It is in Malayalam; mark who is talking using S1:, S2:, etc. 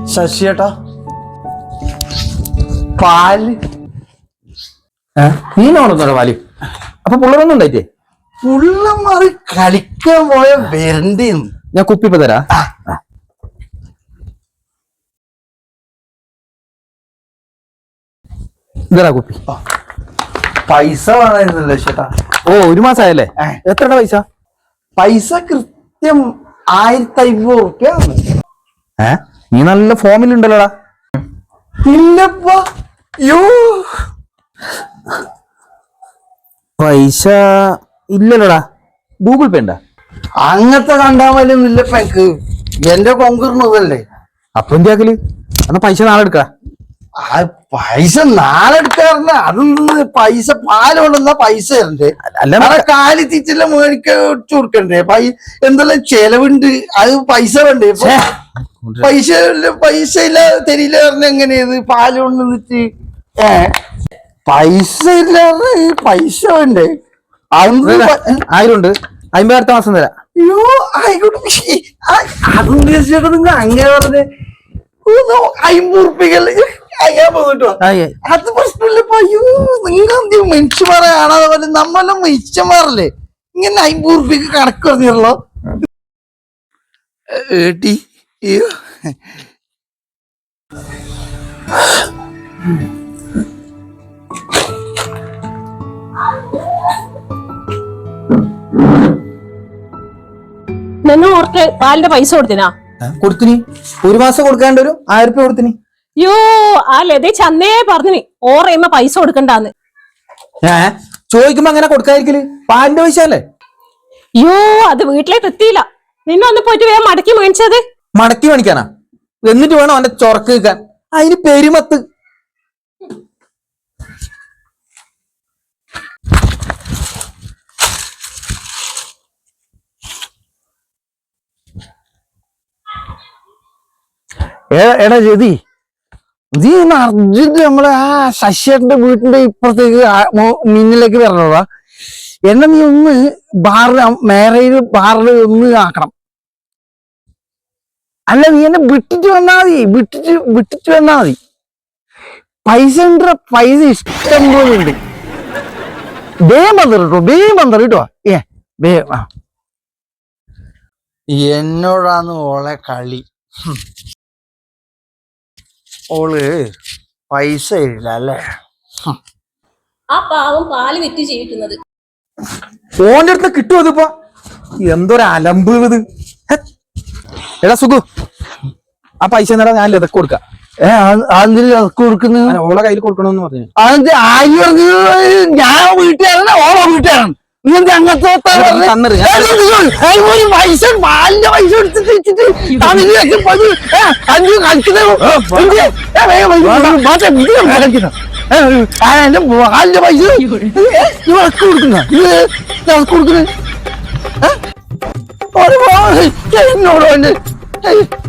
S1: ശശിയേട്ടാ പാല്
S2: നീനാണോ പാല്? അപ്പൊ പിള്ളേരൊന്നും ഉണ്ടായിട്ടേ?
S1: പുള്ളമാറി കളിക്കാൻ പോയ വരണ്ടേ?
S2: ഞാൻ കുപ്പിപ്പ തരാ. ഇതാ കുപ്പി.
S1: പൈസ വേണമായിരുന്നല്ലോ ചേട്ടാ.
S2: ഓ, 1 മാസമായല്ലേ? എത്രയുടെ പൈസ?
S1: പൈസ കൃത്യം 1500 റുപ്യ.
S2: നീ നല്ല ഫോമിലുണ്ടല്ലോടാ.
S1: ഇല്ലപ്പാ. യോ
S2: പൈസ ഇല്ലല്ലോടാ. ഗൂഗിൾ പേ ഉണ്ടാ?
S1: അങ്ങനത്തെ കണ്ടാമലും ഇല്ലപ്പ എനിക്ക്. എന്റെ കൊങ്കിറുന്നതല്ലേ.
S2: അപ്പൊ എന്തിയാക്കല്? എന്നാ പൈസ നാളെ എടുക്ക.
S1: ആ പൈസ നാളെ എടുക്കാറില്ല. അതൊന്ന് പൈസ പാല് കൊണ്ടുവന്ന പൈസ തരണ്ടേ? അല്ല കാലി തീറ്റെല്ല മേടിക്ക കൊടുക്കണ്ടേ? എന്തെല്ലാം ചെലവുണ്ട്. അത് പൈസ വേണ്ടേ? പൈസ ഇല്ല തരില്ല പറഞ്ഞ എങ്ങനെയത്? പാല് കൊണ്ടുവന്നിട്ട് പൈസ ഇല്ലാതെ പൈസ വേണ്ടേ?
S2: 1000 ഉണ്ട്. 50 അടുത്ത മാസം തരാം.
S1: അയ്യോ ആയിക്കോട്ടെ. അതൊന്നും ചേട്ടാ നിങ്ങൾ അങ്ങനെ പറഞ്ഞേ. 50 റുപ്യക്കല്ലേ അയ്യാൻ പോന്നിട്ടോ? അത് പ്രശ്നമില്ലപ്പോ. അയ്യോ നിങ്ങൾ എന്ത് മനുഷ്യന്മാരെ കാണാതെ പോലെ നമ്മളെല്ലാം മനുഷ്യന്മാരല്ലേ? ഇങ്ങനെ 50 റുപ്യക്ക് കണക്ക് പറഞ്ഞല്ലോ. ഏട്ടി അയ്യോ
S3: ഓർക്ക് പാലിന്റെ പൈസ കൊടുത്തിനാ?
S2: കൊടുത്തിനി. 1 മാസം കൊടുക്കാണ്ട് ഒരു 1000 റുപ്യ കൊടുത്തിനി.
S3: യോ ആ ലതേ ചന്നേ പറഞ്ഞിനി ഓറയുമ്പ പൈസ കൊടുക്കണ്ടാന്ന്.
S2: ചോദിക്കുമ്പോ അങ്ങനെ കൊടുക്കാതിരിക്കല്? പാലിന്റെ പൈസ അല്ലേ?
S3: യോ അത് വീട്ടിലേക്ക് എത്തിയില്ല. നിന്നൊന്ന് പോയിട്ട് വേഗം മടക്കി മേടിച്ചത്.
S2: മടക്കി മേടിക്കാനാ? എന്നിട്ട് വേണം അവന്റെ ചൊറക്ക് നിൽക്കാൻ. അതിന് പെരുമത്ത്.
S1: എടാ ജതി, നീ അർജന്റ് നമ്മളെ ആ ശശിയേട്ടന്റെ വീട്ടിന്റെ ഇപ്പുറത്തേക്ക് മിന്നിലേക്ക് വരണോടാ. എന്നെ നീ ഒന്ന് മാരേജ് ബാറിൽ ഒന്ന് ആക്കണം. അല്ല നീ എന്നെ വിട്ടിട്ട് വന്നാ മതി. വിട്ടിട്ട് വന്നാ മതി. പൈസ ഉണ്ട്. പൈസ ഇഷ്ടം പോലെ ഉണ്ട്. വേഗം വന്നറി കേട്ടോ. എന്നോടാന്ന് ഓളെ കളി. ഓള് പൈസ ഇല്ല അല്ലേ?
S3: ആ പാവം പാല് വിറ്റ് ജീവിക്കുന്നത്.
S2: ഓന്റെ അടുത്ത് കിട്ടുമോ? അതിപ്പോ എന്തൊരു അലമ്പ് ഇത്. എടാ സുഖു, ആ പൈസ എന്നാ ഞാൻ ലതക്ക് കൊടുക്കാം.
S1: കൊടുക്കുന്നത്
S2: ഓളെ കയ്യിൽ കൊടുക്കണമെന്ന് പറഞ്ഞു.
S1: അതെന്ത് ആര് പറഞ്ഞു? ഞാൻ വീട്ടുകാരനാ ഓളെ വീട്ടുകാരാണ്. അങ്ങനത്തെ പൈസ പാലിന്റെ പൈസ എടുത്തിട്ട് എന്റെ പാലിന്റെ പൈസ കൊടുക്കുന്ന എന്നോട്